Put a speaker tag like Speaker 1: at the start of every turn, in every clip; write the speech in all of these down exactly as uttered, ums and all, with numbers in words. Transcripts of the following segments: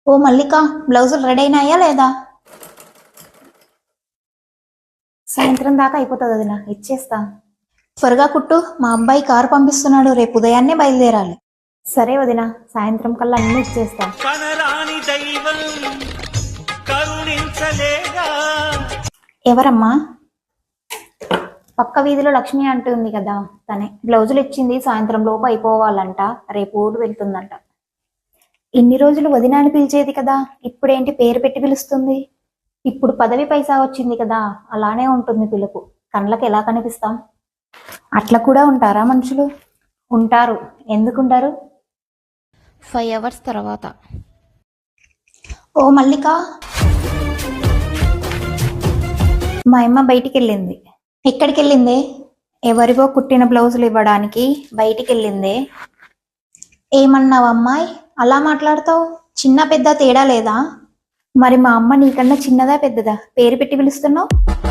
Speaker 1: ఓ మల్లిక, బ్లౌజులు రెడీ అయినాయా లేదా?
Speaker 2: సాయంత్రం దాకా అయిపోతుంది వదిన, ఇచ్చేస్తా.
Speaker 1: త్వరగా కుట్టు, మా అబ్బాయి కారు పంపిస్తున్నాడు, రేపు ఉదయాన్నే బయలుదేరాలి.
Speaker 2: సరే వదిన, సాయంత్రం కల్లా అన్ని ఇచ్చేస్తా.
Speaker 3: కనరాని దైవం కరుణించలేదా?
Speaker 2: ఎవరమ్మా? పక్క వీధిలో లక్ష్మి అంటుంది కదా, తనే. బ్లౌజులు ఇచ్చింది, సాయంత్రం లోపు అయిపోవాలంట, రేపు ఊరు వెళ్తుందంట. ఇన్ని రోజులు వదిన అని పిలిచేది కదా, ఇప్పుడేంటి పేరు పెట్టి పిలుస్తుంది? ఇప్పుడు పదవి పైసా వచ్చింది కదా, అలానే ఉంటుంది పిలుపు. కళ్ళకి ఎలా కనిపిస్తాం? అట్లా కూడా ఉంటారా మనుషులు? ఉంటారు, ఎందుకుంటారు? ఫైవ్ అవర్స్ తర్వాత.
Speaker 1: ఓ మల్లిక,
Speaker 2: మా అమ్మ బయటికి వెళ్ళింది.
Speaker 1: ఎక్కడికి వెళ్ళిందే?
Speaker 2: ఎవరివో కుట్టిన బ్లౌజులు ఇవ్వడానికి బయటికి వెళ్ళిందే.
Speaker 1: ఏమన్నావు అమ్మాయి, అలా మాట్లాడతావు? చిన్న పెద్ద తేడా లేదా?
Speaker 2: మరి మా అమ్మ నీకన్నా చిన్నదా పెద్దదా పేరు పెట్టి పిలుస్తున్నావు?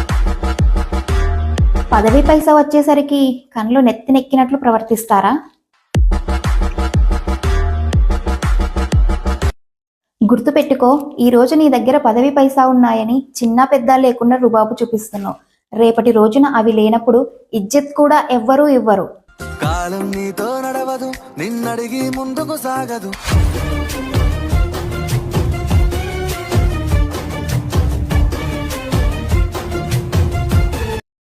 Speaker 2: పదవి పైసా వచ్చేసరికి కళ్ళు నెత్తినెక్కినట్లు ప్రవర్తిస్తారా? గుర్తుపెట్టుకో, ఈ రోజు నీ దగ్గర పదవి పైసా ఉన్నాయని చిన్న పెద్ద లేకుండా రుబాబు చూపిస్తున్నావు. రేపటి రోజున అవి లేనప్పుడు ఇజ్జత్ కూడా ఎవ్వరూ ఇవ్వరు.
Speaker 4: కాలం నీతో నడవదు, నిన్నడిగి ముందుకు సాగదు.